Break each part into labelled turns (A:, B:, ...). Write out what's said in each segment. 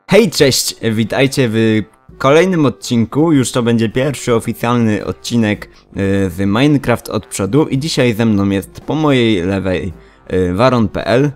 A: Hej, cześć! Witajcie w kolejnym odcinku. Już to będzie pierwszy oficjalny odcinek z Minecraft od przodu. I dzisiaj ze mną jest po mojej lewej Waron.pl.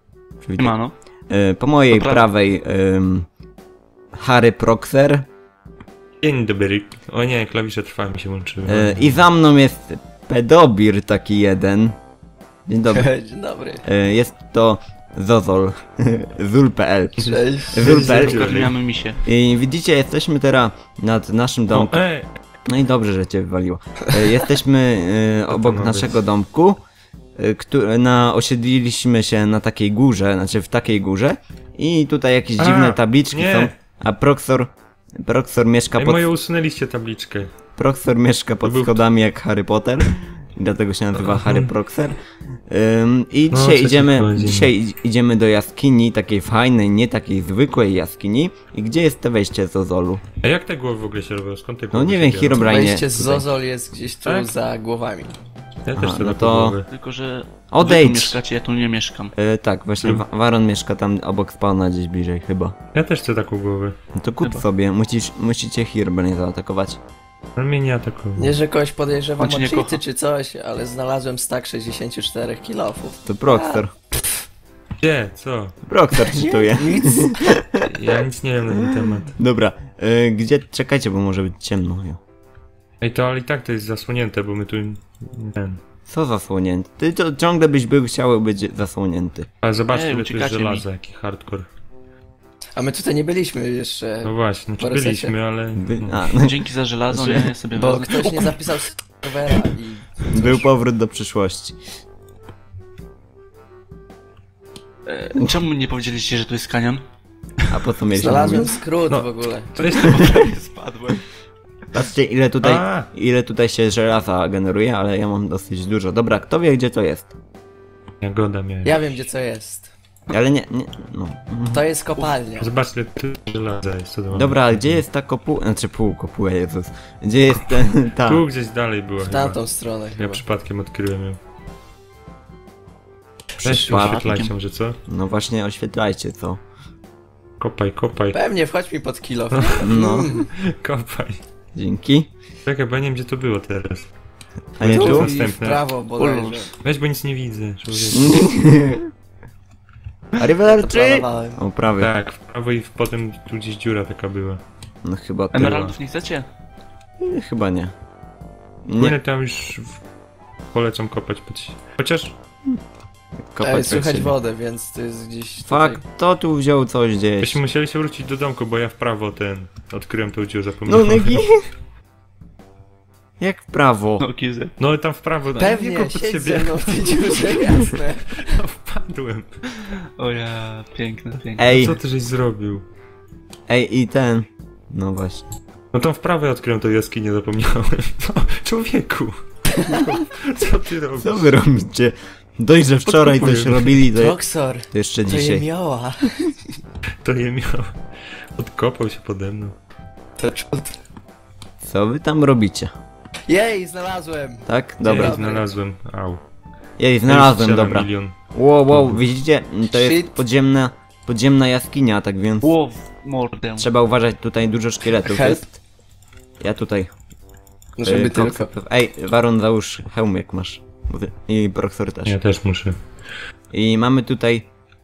A: Po mojej prawej Harry Proxer.
B: Dzień dobry. O nie, klawisze trwa mi się łączyły.
A: I za mną jest Pedobir taki jeden. Dzień dobry.
C: Dzień dobry.
A: Jest to Zozol. Zul.pl.
C: Cześć.
A: Zul.pl.
D: Ogarniamy misie.
A: I widzicie, jesteśmy teraz nad naszym domkiem. No i dobrze, że cię wywaliło. Jesteśmy obok naszego domku, osiedliliśmy się na takiej górze, znaczy w takiej górze. I tutaj jakieś dziwne tabliczki są. A Proxor mieszka pod...
B: moje usunęliście tabliczkę.
A: Proxor mieszka pod schodami jak Harry Potter. I dlatego się nazywa Harry Proxer. I dzisiaj idziemy do jaskini, takiej fajnej, nie takiej zwykłej jaskini. I gdzie jest to wejście z Zozolu?
B: A jak te głowy w ogóle się robią? Skąd te
A: No
B: głowy
A: nie wiem, Herobrine.
C: Wejście z Zozol jest gdzieś tu
B: Tak?
C: za głowami.
B: Ja też chcę
A: no
B: no
A: to-
B: głowy.
D: Tylko, że
A: Odejdź!
D: wy tu mieszkacie, ja tu nie mieszkam.
A: Tak, właśnie Waron mieszka tam obok spawna gdzieś bliżej chyba.
B: Ja też chcę taką głowę.
A: No to kup
D: Chyba.
A: sobie, musicie Herobrine zaatakować.
B: Ale mnie nie atakował.
C: Nie, że kogoś podejrzewam
D: On cię
C: o
D: nie
C: cheaty
D: kocha.
C: czy coś, ale znalazłem stack 64 kilofów.
A: To Proxor.
B: Gdzie? Co?
A: Proxor czytuje.
C: Nic.
B: Ja nic nie wiem na ten temat.
A: Dobra, gdzie... Czekajcie, bo może być ciemno. Jo.
B: Ej, to ale i tak to jest zasłonięte, bo my tu... Ten.
A: Co zasłonięty? Ty to ciągle byś chciał być zasłonięty.
B: Ale zobaczcie,
D: Ej,
B: ile tu jest
D: uciekacie mi.
B: żelaza, jaki hardcore.
C: A my tutaj nie byliśmy jeszcze,
B: No właśnie, znaczy
C: Po resecie.
B: byliśmy, ale...
D: Dzięki za żelazo, nie? Ja sobie
C: bo
D: wezmę.
C: ktoś nie zapisał serwera i...
A: Był powrót do przyszłości.
D: Czemu nie powiedzieliście, że tu jest kanion?
A: A po co mieliśmy
C: Znalazłem
A: mówić?
C: skrót
B: No.
C: w ogóle.
B: To jest...
D: Spadłem.
A: Patrzcie, ile tutaj się żelaza generuje, ale ja mam dosyć dużo. Dobra, kto wie, gdzie to jest?
B: Jagoda miałem.
C: Ja wiem, gdzie co jest.
A: Ale nie, no.
C: To jest kopalnia.
B: Zobaczcie, ile tu żelaza jest. Co to
A: Dobra, a gdzie jest ta kopuła? Znaczy kopuła, Jezus. Gdzie jest ta...
B: Tu gdzieś dalej była
C: W
B: chyba.
C: tamtą stronę
B: Ja
C: chyba.
B: przypadkiem odkryłem ją. Weź
A: Przypadkiem.
B: oświetlajcie może, co?
A: No właśnie, oświetlajcie, co?
B: Kopaj, kopaj,
C: Pewnie, wchodź mi pod kilof.
A: No,
B: kopaj.
A: dzięki.
B: Czekaj, bo ja nie wiem, gdzie to było teraz.
A: A nie
B: Tu?
A: tu?
C: I w
B: Następne.
C: prawo bodajże.
B: Weź, bo nic nie widzę. człowieku.
A: Arrivederci!
C: Zaplanowałem.
A: O, prawie.
B: Tak, w prawo i potem tu gdzieś dziura taka była.
A: No chyba to.
D: Emeraldów nie chcecie?
A: Chyba nie.
B: Nie,
A: Nie,
B: tam już polecam kopać pod... Chociaż...
A: kopać
C: Ej,
A: tak
C: słychać
A: się.
C: wodę, więc to jest gdzieś tutaj.
A: Fuck, to tu wziął coś gdzieś.
B: Byśmy musieli się wrócić do domku, bo ja w prawo odkryłem tą dziurę,
A: No
B: zapomniałem.
A: Negi! Jak w prawo?
D: No, kizy.
B: No tam w prawo, nie
C: Pewnie,
B: kop pod
C: siedź
B: siebie.
C: ze mną w tej dziurze, jasne.
B: No, wpadłem.
D: O ja, piękne, piękne.
A: Ej,
B: Co ty żeś zrobił?
A: ej i ten. No właśnie.
B: No tam w prawo ja odkryłem tą jaskinię, zapomniałem. No, człowieku! Co ty robisz?
A: Co wy robicie? Dość, że wczoraj coś
B: Podkopuję.
A: robili,
C: Proxor,
A: to jeszcze
C: to je
A: dzisiaj.
C: miała.
B: To je miał. Odkopał się pode mną.
C: To czud.
A: Co wy tam robicie?
C: Jej, znalazłem.
A: Tak?
B: Dobra.
A: Dobra.
B: Ja znalazłem. Au.
A: Jej, znalazłem,
B: Strzelam
A: dobra.
B: milion.
A: Wow, widzicie? To jest
C: Shit.
A: podziemna jaskinia, tak więc
D: Ło, w mordę.
A: trzeba uważać, tutaj dużo szkieletów
C: Help.
A: jest. Ja tutaj.
C: No żeby
A: Koksa-
C: tylko.
A: Ej, Waron, załóż hełm jak masz. I Proxor też.
B: Ja też muszę.
A: I mamy tutaj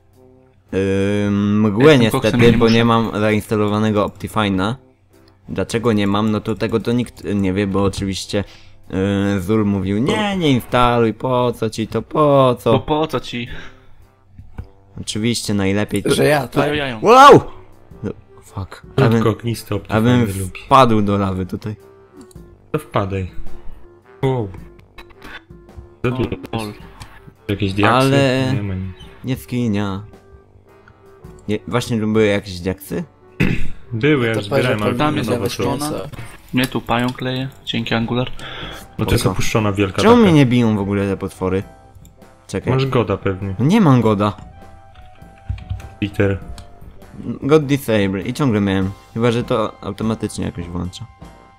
A: mgłę
D: Jestem koksem,
A: niestety,
D: nie
A: bo
D: muszę.
A: nie mam zainstalowanego Optifine'a. Dlaczego nie mam? No to tego to nikt nie wie, bo oczywiście Zul mówił nie instaluj, po co ci to, po co?
D: Bo po co ci?
A: Oczywiście najlepiej to...
C: Że ja,
D: To
C: tak?
D: jają.
A: Wow! No, fuck.
B: Krótko, ognisty
A: Abym
B: optymalny lubi.
A: wpadł do lawy tutaj.
B: To wpadaj. Wow. Co tu
D: Lol.
B: jest? Jakieś diaksy?
A: Ale-
B: Nie ma nic.
A: Nie skinia. Nie, właśnie były jakieś diaksy?
B: Były, ja
C: To
B: już zbierałem, ale
D: tam
B: nie
D: jest
B: nowe
D: nawet
B: są.
D: szklana. Mnie tu pają kleje. Dzięki Angular.
B: No to jest
A: Spoko.
B: opuszczona wielka
A: Czemu
B: taka.
A: mnie nie biją w ogóle te potwory? Czekaj.
B: Masz goda pewnie.
A: No nie mam goda.
B: Peter.
A: God disable i ciągle miałem. Chyba, że to automatycznie jakoś włącza.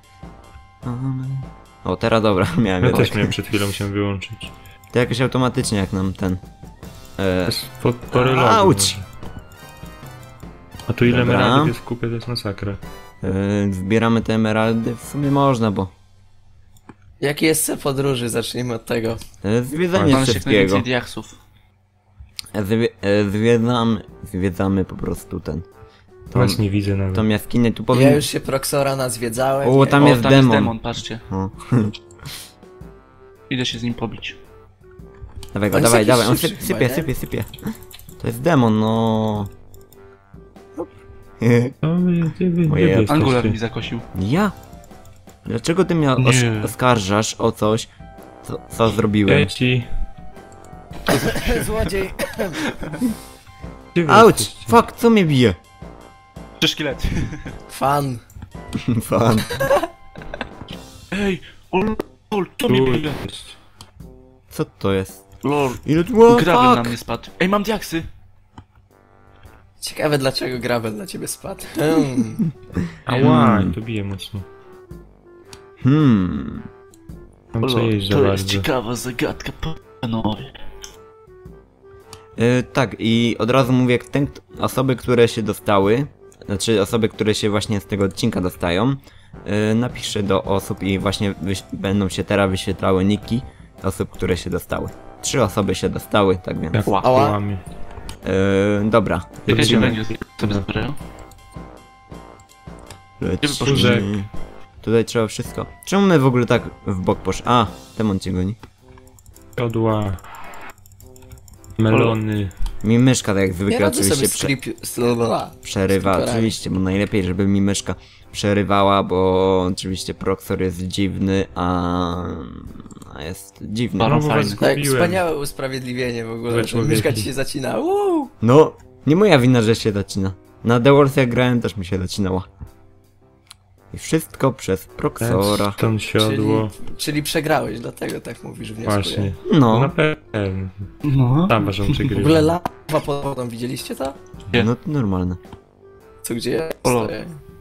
A: O, teraz dobra, miałem
B: Ja
A: jednak.
B: też miałem przed chwilą się wyłączyć.
A: To jakoś automatycznie jak nam ten...
B: Po relogu
A: Auć!
B: może. A tu ile
A: Dobra.
B: emeraldów jest w kupie, to jest masakra.
A: Zbieramy te emeraldy, w sumie można, bo
C: Jaki jest cel podróży? Zacznijmy od tego.
A: zwiedzanie
D: Mamy się jak
A: wszystkiego.
D: najwięcej diaksów.
A: Zwiedzamy po prostu ten.
B: Właśnie widzę nawet.
A: Tą jaskinię tu
C: Ja
A: powinien...
C: już się Proxora nazwiedzałem.
A: O,
C: nie?
A: tam
D: O,
A: jest
D: tam jest
A: demon.
D: demon, patrzcie.
A: O.
D: Idę się z nim pobić.
A: Dawaj go,
C: On jest
A: dawaj,
C: jakiś
A: dawaj, on
C: szybszy
A: sypie,
C: chyba, nie?
A: sypie. To jest demon, no.
B: Gdzie
A: Ojej,
B: wy
D: Angular
B: jesteście?
D: mi zakosił.
A: Ja? Dlaczego ty mnie
D: Nie.
A: oskarżasz o coś, co zrobiłem?
B: Leci.
C: Złodziej.
B: Gdzie wy
A: Auć!
B: jesteście?
A: Fuck, co mnie bije?
D: 3 szkielety.
C: Fan.
A: Fan.
D: Ej, o lol, to
B: Tu
D: mnie bije.
B: jest.
A: Co to jest?
D: Lol,
A: Ile tu było?
D: gravel na
A: Fuck!
D: mnie spadł. Ej, mam diaksy.
C: Ciekawe dlaczego gravel dla ciebie spadł.
B: Ała, to bije mocno. Mam co
D: Lol,
B: jeść za
D: to jest
B: bardzo.
D: ciekawa zagadka, panowie.
A: Tak, i od razu mówię, osoby, które się dostały, znaczy osoby, które się właśnie z tego odcinka dostają, napiszę do osób i właśnie będą się teraz wyświetlały niki osób, które się dostały. 3 osoby się dostały, tak więc.
B: Jak
D: Ła.
B: łamie.
A: Dobra,
D: Wiecie,
A: lecimy.
D: węgiel sobie zabierają?
A: Lecimy. Tutaj trzeba wszystko. Czemu my w ogóle tak w bok poszli? A, demon cię goni.
B: Jodła. Melony.
A: Mi myszka tak jak
C: Nie
A: zwykle
C: radzę
A: oczywiście
C: sobie
A: przerywa,
C: Skipperami.
A: oczywiście, bo najlepiej, żeby mi myszka przerywała, bo oczywiście Proxor jest dziwny, a jest dziwny.
D: Baron
B: Znowu was
D: fajny.
C: Tak,
B: zgubiłem.
C: wspaniałe usprawiedliwienie w ogóle,
B: Złe
C: że
B: człowieki.
C: myszka ci się zacina. Uuu.
A: No, nie moja wina, że się zacina. Na The Wars jak grałem też mi się zacinała. I wszystko przez Proxora.
B: Stąd siodło.
C: Czyli przegrałeś, dlatego tak mówisz, wnioskuję.
B: Właśnie. No
A: No,
B: na pewno.
D: No.
B: Tam waszą
C: W ogóle
B: przegrywa.
C: lawa pod wodą, widzieliście to?
D: Nie.
A: no to normalne.
C: Co gdzie ja
D: Olo.
C: stoję?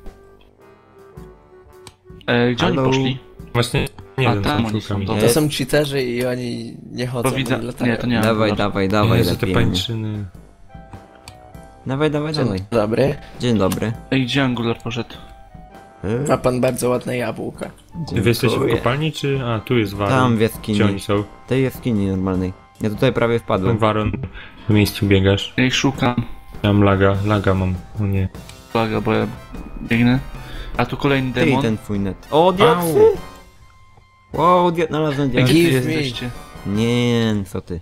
D: Gdzie oni
A: Halo?
D: poszli?
B: Właśnie nie
D: A,
B: wiem,
D: tam
B: co
D: oni są,
B: szukam.
D: dobra.
C: To są cheaterzy i oni nie chodzą.
D: To widzę.
C: oni latają.
D: Nie, to nie
A: Dawaj,
D: Angular.
A: dawaj, dawaj,
B: Jezu, te
A: lepiej.
B: pańczyny.
A: Dawaj, dawaj, dawaj.
C: Dzień dobry.
A: Dzień dobry.
D: Ej, gdzie Angular poszedł?
C: Ma pan bardzo ładne jabłka.
B: Wy jesteście w
A: Dziękuję.
B: kopalni, czy... A, tu jest Waron.
A: Tam w
B: Gdzie
A: jaskini.
B: oni są?
A: Tej jaskini normalnej. Ja tutaj prawie
B: Tam
A: wpadłem.
B: Waron. W miejscu biegasz.
D: Ja ich szukam.
B: Ja mam laga mam. O nie.
D: Uwaga, bo ja biegnę. A tu kolejny
A: Ty i
D: demon.
A: ten twój net. O, diaksy! Wow, znalazłem
D: Ej,
A: diaksy.
D: gdzie wy
C: Give me.
D: jesteście?
A: Nie, co ty.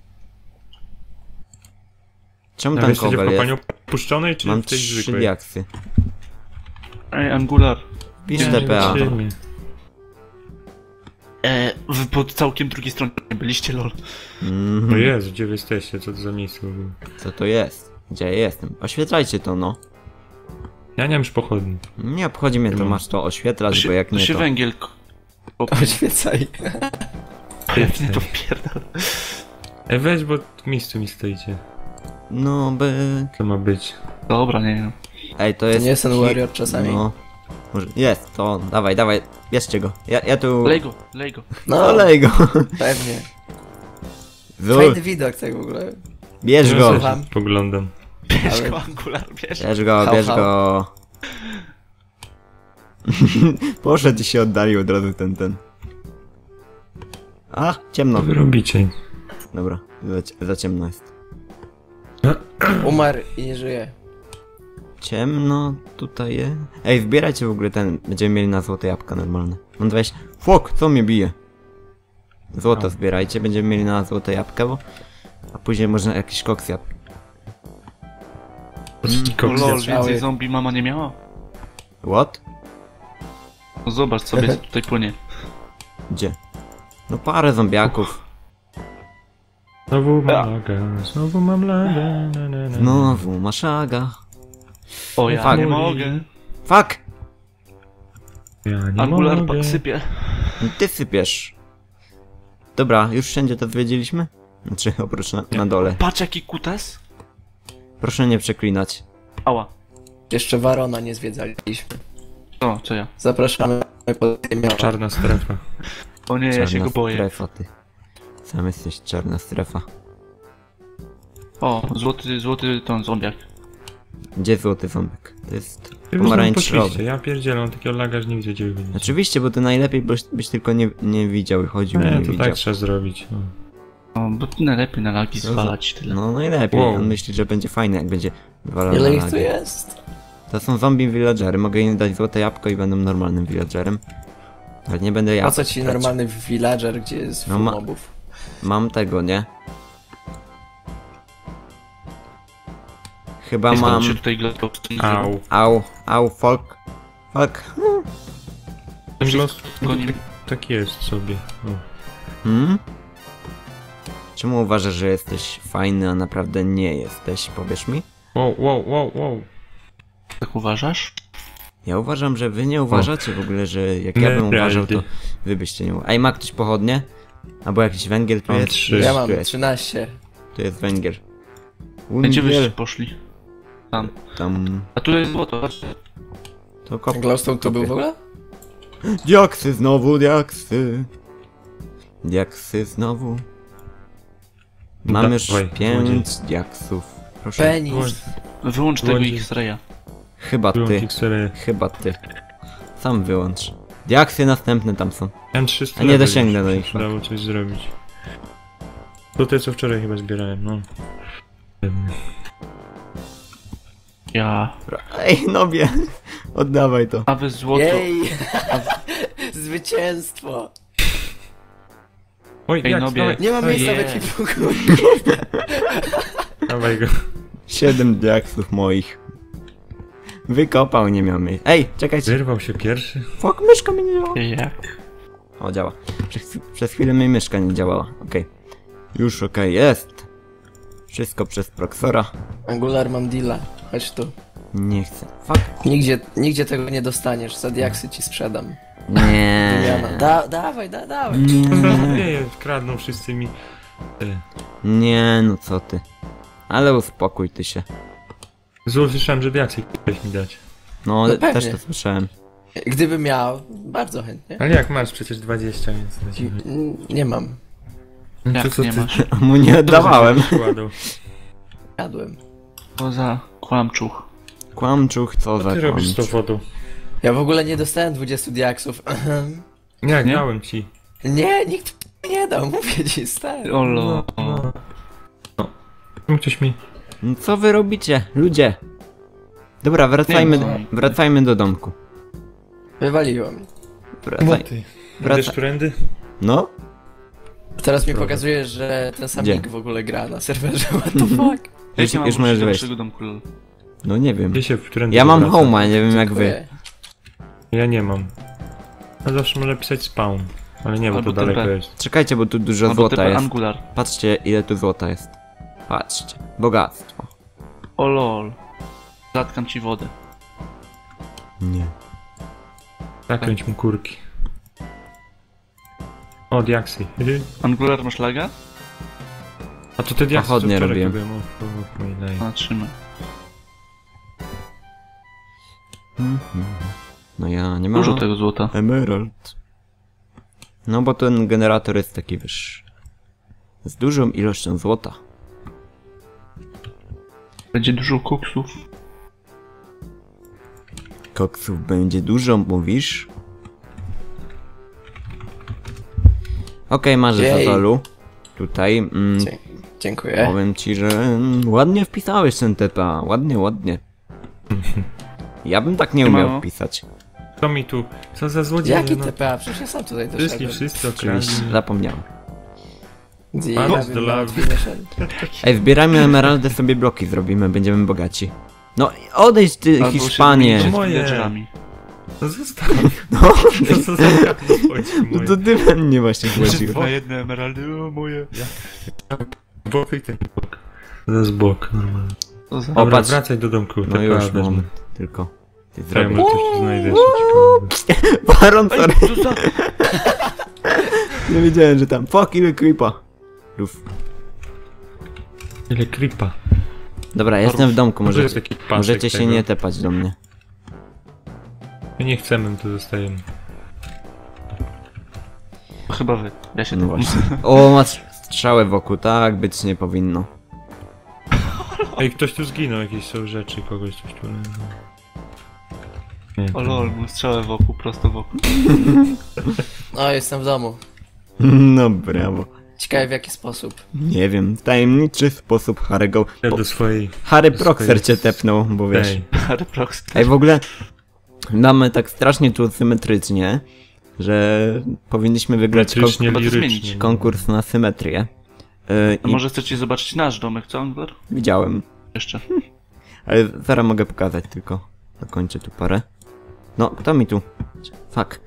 A: Czemu
B: A wy
A: tam
B: jesteście w
A: kobel
B: kopalni
A: jest?
B: opuszczonej, czy
A: Mam
B: w tej
A: 3
B: zwykłej?
A: diaksy.
D: Ej, Angular.
A: Pisz
B: Nie,
A: TPA.
B: zobaczymy.
D: Wy po całkiem drugiej stronie byliście, lol.
B: No Jezu, gdzie wy jesteście? Co to za miejsce w ogóle?
A: Co to jest? Gdzie ja jestem? Oświetlajcie to, no.
B: Ja nie mam już pochodni.
A: Nie obchodzi mnie to,
B: mam.
A: masz to oświetlać,
D: To
A: bo jak
D: to
A: nie
D: się
A: to...
D: węgiel...
C: Oświecaj.
D: Jak nie to wpierdol.
B: Weź, bo w miejscu mi stoicie.
A: No by...
B: Co ma być?
D: Dobra, nie wiem.
A: Ej, to
C: To
A: jest...
C: nie jest ten warrior czasami.
A: No. Może... Jest, to dawaj, dawaj, bierzcie go. Ja tu...
D: Lej go, lej go.
C: No,
A: Olej go.
C: pewnie.
A: Zu,
C: Fajny widok tak w ogóle.
A: bierz
B: Ja
A: go.
B: sobie
C: Słucham.
B: Poglądam.
D: Bierz
C: Ale-
D: go, Angular, bierz.
A: Bierz go,
C: Hał,
A: bierz
C: hał.
A: go. Poszedł i się oddalił od razu ten. A, ciemno.
B: Co wy robicie?
A: Dobra, za ciemno jest.
C: Umarł i nie żyje.
A: Ciemno tutaj jest. Ej, zbierajcie w ogóle ten. Będziemy mieli na złote jabłka normalne. Mam 20. Fok, co mnie bije? Złoto zbierajcie, będziemy mieli na złote jabłka, bo... A później można jakiś koks jabł.
D: No lol,
C: Cały-
D: więcej zombie mama nie miała?
A: What?
D: No zobacz sobie, co tutaj płynie.
A: Gdzie? No parę zombiaków.
B: Znowu mam laga, znowu mam laga. Na, na, na.
A: Znowu maszaga.
D: O, ja
A: Fuck.
D: nie mogę.
A: Fuck!
B: Ja nie
D: Angular
B: mogę.
D: pak sypie.
A: Ty sypiesz. Dobra, już wszędzie to zwiedziliśmy? Znaczy, oprócz na dole.
D: Patrz jaki kutas.
A: Proszę nie przeklinać.
D: Ała.
C: Jeszcze Warona nie zwiedzaliśmy.
D: O, co ja?
C: Zapraszamy pod ziemią.
B: Czarna strefa.
D: O nie, ja się go boję.
A: strefa, ty. Sam jesteś czarna strefa.
D: O, złoty ten zombiak.
A: Gdzie złoty ząbek? To jest
B: Poszliście,
A: pomarańczowy.
B: ja pierdzielę, on takiego laga, że nie widzę, gdzie wy będziecie.
A: Oczywiście, bo to najlepiej byś tylko nie widział i chodził i
B: Nie,
A: nie
B: to
A: widział.
B: tak trzeba zrobić. No.
D: No, bo to najlepiej na lagi zwalać tyle.
A: No najlepiej,
B: Wow.
A: on myśli, że będzie fajne, jak będzie walał
C: Ile
A: na
C: ich tu
A: lagi.
C: jest?
A: To są zombie villagery, mogę im dać złote jabłko i będą normalnym villagerem. Ale nie będę
C: Po
A: jabłek
C: co ci
A: brać.
C: normalny villager, gdzie jest
A: No
C: full
A: ma-
C: mobów?
A: Mam tego, nie? Chyba
D: Nie
A: mam...
D: mam... się tutaj glowstone
B: Au.
A: Au, folk.
B: Ten głos
D: Goni.
B: tak jest sobie. O.
A: Hmm? Czemu uważasz, że jesteś fajny, a naprawdę nie jesteś? Powiesz mi?
B: Wow.
D: Tak uważasz?
A: Ja uważam, że wy nie uważacie w ogóle, że jak ja bym
B: Nieprawda.
A: uważał, to wy byście nie uważali. Ej, ma ktoś pochodnie? Albo jakiś węgiel tu
B: Mam
A: jest?
B: 3.
C: Ja
A: Tu
C: mam
A: jest,
C: 13.
A: tu jest węgiel.
D: Gdzie wyście
A: Węgiel.
D: poszli? Tam.
A: Tam...
D: A tu jest złoto, patrzcie.
A: To kop...
C: Glowstone tu był w ogóle?
A: Diaksy znowu, diaksy. Diaksy znowu. Mam już
B: Dawaj,
A: 5 diaksów. Proszę.
C: Penis.
D: Wyłącz tego
B: Wyłącz-
D: X-raya.
A: Chyba ty. Chyba ty. Sam wyłącz. Diaksy następne tam są.
B: Mam 300.
A: A nie dosięgnę do nich.
B: Dało coś zrobić. To te co wczoraj chyba zbierałem, no.
D: Ja.
A: Ej, nobie. Oddawaj to.
D: A wy złoto.
C: Jej! Zwycięstwo!
B: Oj,
D: Ej,
B: jak,
D: nobie.
B: dawaj,
C: Nie mam miejsca w
D: Ojej.
C: ekwipunku.
B: dawaj go.
A: 7 diaksów moich. Wykopał, nie miał miejsca. Ej, czekajcie.
B: Wyrwał się pierwszy.
A: Fuck, myszka mi nie działa.
D: Jak?
A: O, działa. Przez chwilę mi myszka nie działała. Okej. Już okej, jest. Wszystko przez Proxora.
C: Angular mam deala. Chodź tu.
A: Nie chcę. Fuck.
C: Nigdzie tego nie dostaniesz. Za diaksy ci sprzedam.
A: Nie.
C: Wymiana. Dawaj.
A: Nie.
B: Kradną wszyscy mi.
A: Nie, no co ty. Ale uspokój ty się.
B: Zło słyszałem, że diaksy chciałeś mi dać.
A: No,
C: No pewnie.
A: też to słyszałem.
C: Gdybym miał, bardzo chętnie.
B: Ale jak masz przecież 20, więc lecimy.
C: Nie mam.
B: No
D: Jak nie masz?
A: Mu nie oddawałem.
B: Kładą.
C: Jadłem.
D: Poza kłamczuch.
A: Kłamczuch, co
B: Co
A: za
B: ty robisz z tą
A: kłamczuch.
B: wodą?
C: Ja w ogóle nie dostałem 20 diaksów.
B: Jak
D: Nie?
B: dałem ci.
C: Nie, nikt mi nie dał, mówię ci, stary.
D: Olo.
B: No, ktoś mi...
A: No co wy robicie, ludzie? Dobra,
D: Nie, no.
A: wracajmy do domku.
C: Wywaliłem.
A: Wracaj.
B: Ty.
A: Wraca-
B: Idziesz prędy?
A: No?
C: Teraz mi pokazuje, że ten sam
A: Gdzie?
C: nick w ogóle gra na serwerze, what the fuck?
A: Już,
D: Jak
A: już
D: ja mam
A: możesz
D: wrócić do
A: wejść.
D: naszego domku, lol?
A: No nie wiem.
B: Gdzie się w prędy
A: Ja mam
B: powraca?
A: home'a, nie wiem jak wy.
C: Dziękuję.
B: Ja nie mam. A zawsze można pisać spawn. Ale nie, bo
D: Albo
B: to daleko
D: TP.
B: jest.
A: Czekajcie, bo tu dużo
D: Albo
A: złota
D: typa
A: jest.
D: Angular.
A: Patrzcie, ile tu złota jest. Patrzcie. Bogactwo.
D: O lol. Zatkam ci wodę.
A: Nie.
B: Zakręć mu kurki. O, diaksy.
D: Angular masz laga?
B: A to te diaksy
A: Pochodnie
B: co wczoraj
A: robiłem.
B: kupiłem. O, mój daj.
D: A, trzymaj.
A: No ja nie mam.
D: Dużo tego złota.
A: Emerald. No bo ten generator jest taki, wiesz... Z dużą ilością złota.
D: Będzie dużo koksów.
A: Koksów będzie dużo, mówisz? Okej, masz
C: Jej.
A: Zazolu. Tutaj.
C: Dziękuję.
A: Powiem ci, że ładnie wpisałeś ten TPA. Ładnie. Ja bym tak nie umiał
D: Mało.
A: wpisać.
B: Co mi tu? Co za złodzieje?
C: Jaki
B: no.
C: TPA? Przecież ja sam tutaj
B: Wszyscy,
C: doszedłem.
B: wszyscy
A: Oczywiście,
B: okradli.
A: zapomniałem.
C: Ja
B: Bardzo
C: bym
B: dla-
C: nawet nie szedł.
A: Ej, zbierajmy emeraldy, sobie bloki zrobimy, będziemy bogaci. No, odejdź ty,
D: Albo się
A: Hiszpanie!
D: zmienić z
B: Moje.
D: villagerami.
B: No zostaw.
A: No,
B: To co za chodzi
A: no to ty we mnie właśnie chodził.
D: Na jedne emeraldy, o moje.
B: Bok i ten bok. To jest bok, normalnie.
D: Co za...
A: O,
B: Dobra,
A: patrz.
B: wracaj do domku.
A: No
B: TPA
A: już,
B: wezmę.
A: moment, tylko. Ty
B: Ja
A: zrobię.
B: może coś tu znajdę jeszcze ciekawego.
A: Baron, sorry.
D: Co za...
A: Nie wiedziałem, że tam. Fuck, ile creepa. Luf.
B: Ile creepa.
A: Dobra, jestem w domku,
B: Może jest
A: możecie,
B: taki pasek
A: możecie się
B: tego.
A: nie tepać do mnie.
B: My nie chcemy, to zostajemy.
D: Chyba wy. Ja się
A: No
D: tu
A: właśnie. O, masz strzałę wokół, tak być nie powinno.
B: Ej, ktoś tu zginął, jakieś są rzeczy, kogoś coś tu leży. Nie,
D: O lol, mu strzałę wokół, prosto wokół.
C: O, jestem w domu.
A: No brawo.
C: Ciekawe w jaki sposób.
A: Nie wiem, w tajemniczy sposób Harry'ego...
B: Ja do swojej...
A: Harry
B: do
A: Proxer
B: swojej-
A: cię tepnął, bo wiesz...
B: Ej,
D: Harry Prox.
A: Ej, w ogóle mamy tak strasznie tu symetrycznie, że powinniśmy wygrać
B: symetrycznie,
D: Trzeba to
B: lirycznie.
D: zmienić.
A: konkurs na symetrię.
D: A
A: I
D: może chcecie zobaczyć nasz domek, co, Angler?
A: widziałem.
D: Jeszcze.
A: Ale zaraz mogę pokazać tylko. Dokończę tu parę. No, kto mi tu? Fuck.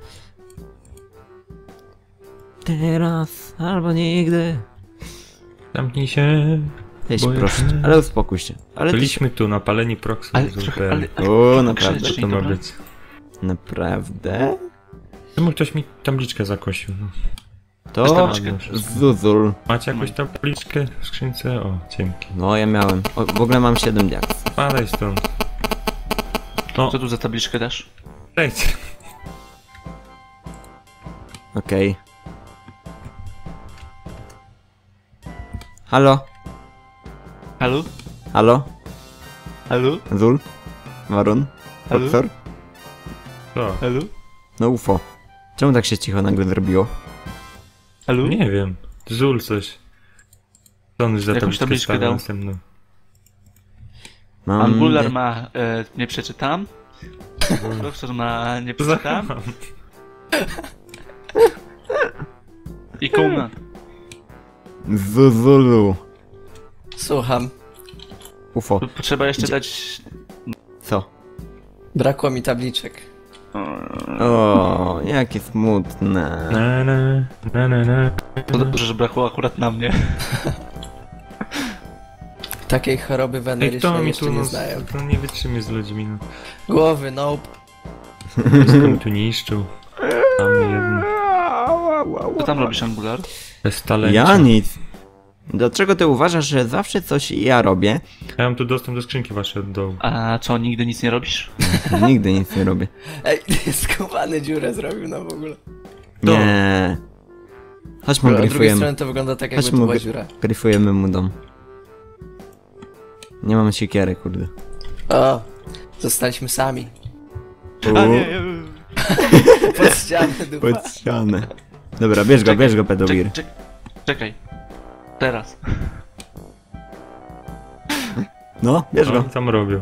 A: Teraz albo nigdy.
B: Zamknij się.
A: Weź
B: Boję
A: proszę,
B: się.
A: ale uspokój się. Ale ty się...
B: Byliśmy tu napaleni proxy.
D: Ale
B: z
D: trochę,
B: UPL.
D: ale...
A: O, naprawdę?
B: Co to ma być?
A: Naprawdę?
B: Czemu ktoś mi tabliczkę zakosił? No.
A: To
D: tabliczkę.
A: Zuzul.
B: Macie jakąś tabliczkę w skrzynce? O, dzięki.
A: No, ja miałem. O, w ogóle mam 7 diaks.
B: Spadaj stąd. No,
D: Co tu za tabliczkę dasz?
B: przejdź.
A: Okej. Halo?
D: Halo?
A: Halo?
D: Halo?
A: Zul? Warun?
D: Halo?
A: Profesor?
B: Co?
D: Halo?
A: No UFO. Czemu tak się cicho nagle zrobiło?
D: Halo?
B: Nie wiem. Zul coś. Co on już za
D: Jakąś
B: tabliczkę
D: tabliczkę
B: stawia
D: dał?
B: następną?
A: Mam...
D: Angular ma nie przeczytam. Profesor ma nie przeczytam.
B: Zachowam.
D: I Kołna.
A: Zuzulu.
C: Słucham.
A: UFO.
D: Potrzeba jeszcze dać...
A: Co?
C: Brakło mi tabliczek.
A: O, jakie smutne.
B: Na, na, na, na, na.
D: To dobrze, że brakło akurat na mnie.
C: Takiej choroby
B: Ej, kto
C: wenerycznej
B: mi
C: jeszcze
B: tu
C: nie
B: no,
C: znają.
B: to nie wytrzymie z ludźmi, no.
C: Głowy, nope.
B: Wszystko mi tu niszczył. Tam jedno.
D: Co tam robisz, Angular?
B: Bez talentu.
A: Ja nic. Dlaczego ty uważasz, że zawsze coś ja robię?
B: Ja mam tu dostęp do skrzynki waszej od dołu.
D: A co, nigdy nic nie robisz?
A: Nigdy nic nie robię.
C: Ej, skubany dziurę zrobił no w ogóle.
A: Nie. Chodźmy,
C: A z drugiej
A: gryfujemy.
C: strony to wygląda tak jakby
A: Chodźmy,
C: to była dziura.
A: gryfujemy mu dom. Nie mamy siekiery, kurde.
C: O, zostaliśmy sami.
D: A nie,
C: Pod ścianę dupa.
A: Pod ścianę. Dobra, bierz go, pedowir.
D: czekaj. Teraz.
A: No, bierz
B: Co
A: go.
B: oni tam robią?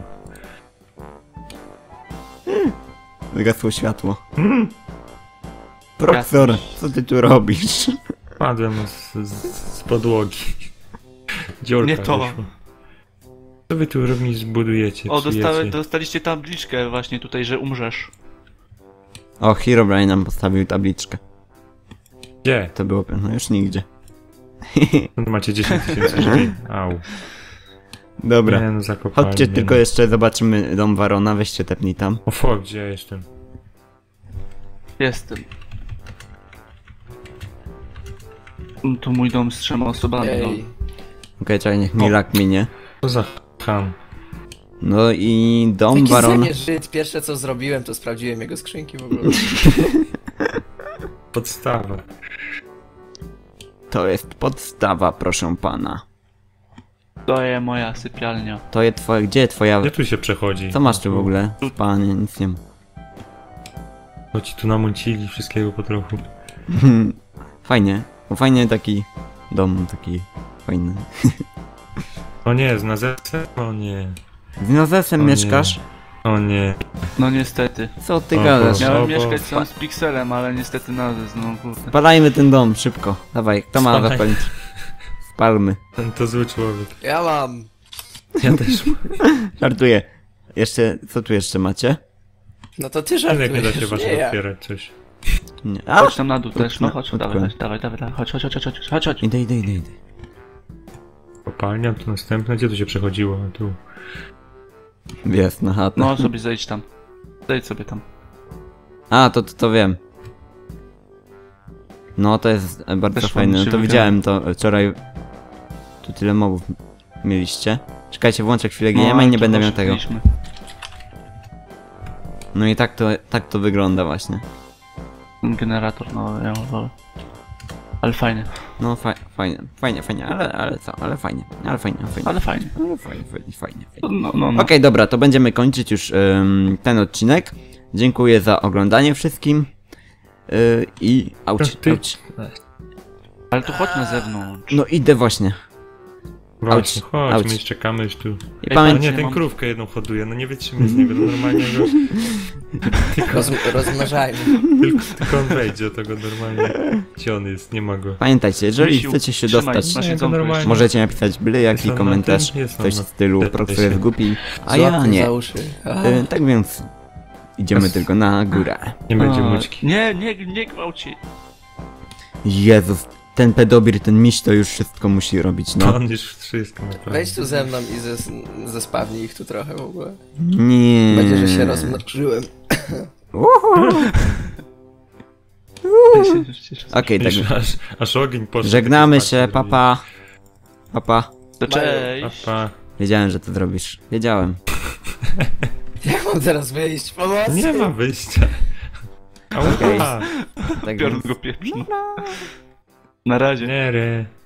A: Wygasło światło. Profesor, co ty tu robisz?
B: Padłem z podłogi. Dziurka
D: Nie to.
B: wyszła. Co wy tu robisz, zbudujecie,
D: O,
B: psujecie?
D: dostaliście tabliczkę właśnie tutaj, że umrzesz.
A: O, Herobrine nam postawił tabliczkę.
B: Gdzie?
A: To było, no już nigdzie.
B: No, macie 10 000 drzwi. Au.
A: Dobra.
B: Nie, no zakopali
A: Chodźcie
B: mnie,
A: tylko
B: no.
A: jeszcze zobaczymy dom Warona, weźcie tepnij tam.
B: O fuck, gdzie ja jestem?
D: Jestem. Tu mój dom z 3 osobami.
C: Ej,
A: Okej, czekaj, niech mi lak minie.
B: Co za ham?
A: No i dom
C: taki
A: Warona.
C: Żyd. Pierwsze co zrobiłem to sprawdziłem jego skrzynki w ogóle.
B: Podstawa.
A: To jest podstawa, proszę pana.
D: To jest moja sypialnia.
A: To jest twoja, gdzie twoja...
B: Gdzie tu się przechodzi?
A: Co masz tu w ogóle? Panie, nic nie ma.
B: Bo ci tu namucili wszystkiego po trochu.
A: Fajnie. Bo fajnie taki dom, taki fajny.
B: O nie, z nazesem? O nie.
A: Z Nazesem
B: O nie.
A: mieszkasz?
B: O nie.
D: No niestety.
A: Co ty
B: O
A: gadasz?
B: Boże.
D: Miałem
B: bo-
D: mieszkać sam z Pixelem, ale niestety nazes, no kurde.
A: Spalajmy ten dom, szybko. Dawaj, kto ma
B: Spalaj.
A: zapalić? Spalmy.
B: Ten to zły człowiek.
C: Ja mam.
B: Ja też.
A: Żartuję. Jeszcze, co tu jeszcze macie?
C: No to ty
B: Ale jak nie da
C: żartujesz,
B: się
C: nie
B: wasze
C: ja.
B: otwierać coś.
A: Nie.
D: Chodź tam na dół też, no chodź,
A: Utknę.
D: dawaj, chodź.
A: Idę.
B: Kopalnia, tu następna. Gdzie tu się przechodziło? A tu.
A: Jest, na chatę.
D: No sobie zejdź tam. Zejdź sobie tam.
A: A, to wiem. No, to jest bardzo
D: Też
A: fajne.
D: ładnie
A: No
D: się
A: to
D: wygląda.
A: widziałem to wczoraj. Tu tyle mobów mieliście. Czekajcie, włączę chwilę GM i nie
D: to
A: będę miał
D: właśnie
A: tego.
D: byliśmy.
A: No i tak to wygląda właśnie.
D: Generator, no ja wolę. Ale fajnie.
A: No fajnie, ale co, ale fajnie.
D: Ale fajnie.
A: Fajnie.
D: No.
A: Okej, dobra, to będziemy kończyć już ten odcinek. Dziękuję za oglądanie wszystkim. I auć.
D: Ale tu chodź na zewnątrz.
A: No idę właśnie.
B: Właśnie, chodź,
A: auć.
B: my już czekamy już tu.
A: I
B: A
A: pamiętaj,
B: nie, ten krówkę jedną hoduje, no nie wytrzymy z niego, no normalnie go...
C: Rozmnażajmy.
B: Tylko on wejdzie, to go normalnie... Gdzie on jest? Nie ma go.
A: pamiętajcie, jeżeli
D: Misiu,
A: chcecie się
D: trzymaj,
A: dostać,
D: masz
B: Nie,
D: jedzonko
B: normalnie.
D: jeszcze.
A: możecie napisać byle jaki
B: Jest on
A: komentarz,
B: na tym? Jest on
A: coś w
B: na-
A: stylu
B: Te-
A: Proxy
B: się.
A: jest głupi, a ja
C: Złapmy
A: nie.
C: za uszy.
A: Tak więc idziemy tylko na górę.
B: Nie będzie mućki.
D: Nie gwałci.
A: Jezus, ten pedobir, ten miś to już wszystko musi robić,
B: To
A: no.
B: on już wszystko naprawdę.
C: Wejdź tu ze mną i zespawnij ich tu trochę w ogóle.
A: Nie.
C: Będzie, że się rozmnożyłem.
A: Okej, tak.
B: Aż ogień poszedł.
A: Żegnamy
B: Taki
A: się,
B: fakt,
A: papa. Papa.
D: To cześć.
B: Papa.
A: Wiedziałem, że to zrobisz. Wiedziałem.
C: Jak mam teraz wyjść? Pomocy!
B: Nie ma wyjścia.
A: Okej.
B: Ała.
A: Tak
D: Biorę
A: więc...
D: go pieprz. Na razie.
B: Nie,